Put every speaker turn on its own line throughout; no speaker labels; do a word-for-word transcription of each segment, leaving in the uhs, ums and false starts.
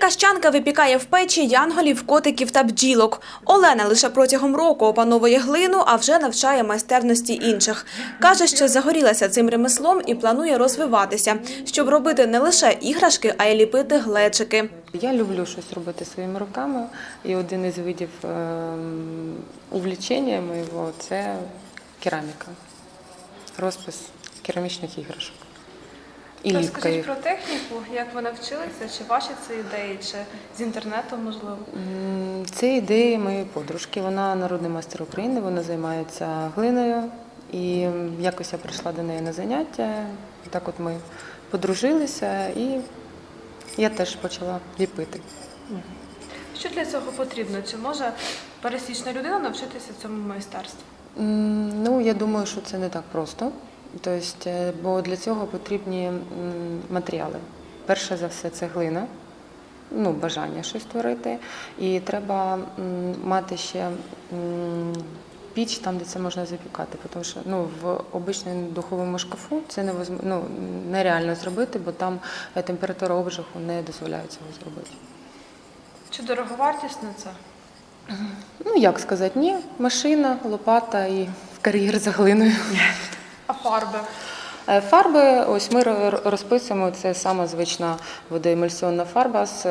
Черкащанка випікає в печі янголів, котиків та бджілок. Олена лише протягом року опановує глину, а вже навчає майстерності інших. Каже, що загорілася цим ремеслом і планує розвиватися, щоб робити не лише іграшки, а й ліпити глечики.
Я люблю щось робити своїми руками, і один із видів увлечення моєго – це кераміка, розпис керамічних іграшок. І ліпка
Розкажіть
їх.
про техніку, як ви навчилися, чи ваші це ідеї, чи з інтернету, можливо?
Це ідеї моєї подружки. Вона народний майстер України, вона займається глиною. І якось я прийшла до неї на заняття, так от ми подружилися, і я теж почала ліпити.
Що для цього потрібно? Чи може пересічна людина навчитися цьому майстерству?
Ну, я думаю, що це не так просто. Тобто, бо для цього потрібні матеріали. Перше за все, це глина, ну, бажання щось створити. І треба мати ще піч там, де це можна запікати. Тому що ну, в обичному духовому шкафу це невозможно, ну, нереально зробити, бо там температура обжигу не дозволяє цього зробити.
Чи дороговартісно це?
Ну, як сказати, ні. Машина, лопата і в кар'єр за глиною.
А фарби?
Фарби, ось ми розписуємо, це сама звична водоемульсіонна фарба з,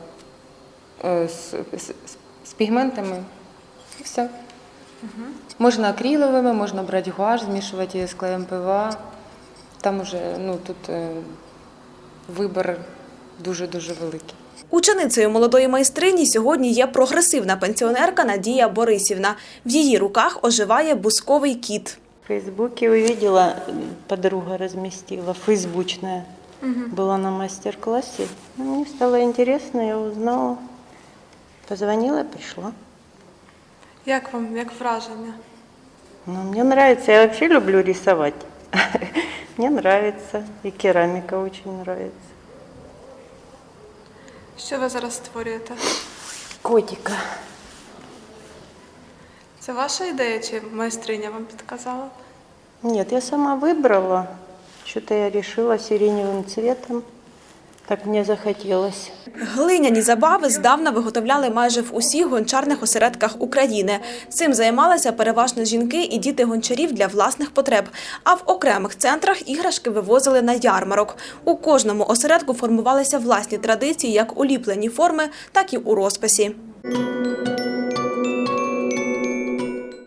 з, з, з пігментами і все. Угу. Можна акриловими, можна брати гуаш, змішувати її з клеєм ПВА. Там уже, ну, тут вибір дуже-дуже великий.
Ученицею молодої майстрині сьогодні є прогресивна пенсіонерка Надія Борисівна. В її руках оживає бусковий кіт.
В Фейсбуке увидела, подруга разместила, фейсбучная, угу. Была на мастер-классе. Мне стало интересно, я узнала, позвонила, пришла.
Як вам, як враження?
Ну, мне нравится, я вообще люблю рисовать. Мне нравится, и керамика очень нравится.
Що ви зараз створюєте?
Котика.
Це ваша ідея, чи майстриня вам підказала?
Нет, я сама выбрала. Что-то я решила сиреневым цветом. Так мені захотілося.
Глиняні забави здавна виготовляли майже в усіх гончарних осередках України. Цим займалися переважно жінки і діти гончарів для власних потреб. А в окремих центрах іграшки вивозили на ярмарок. У кожному осередку формувалися власні традиції як у ліпленні форми, так і у розписі.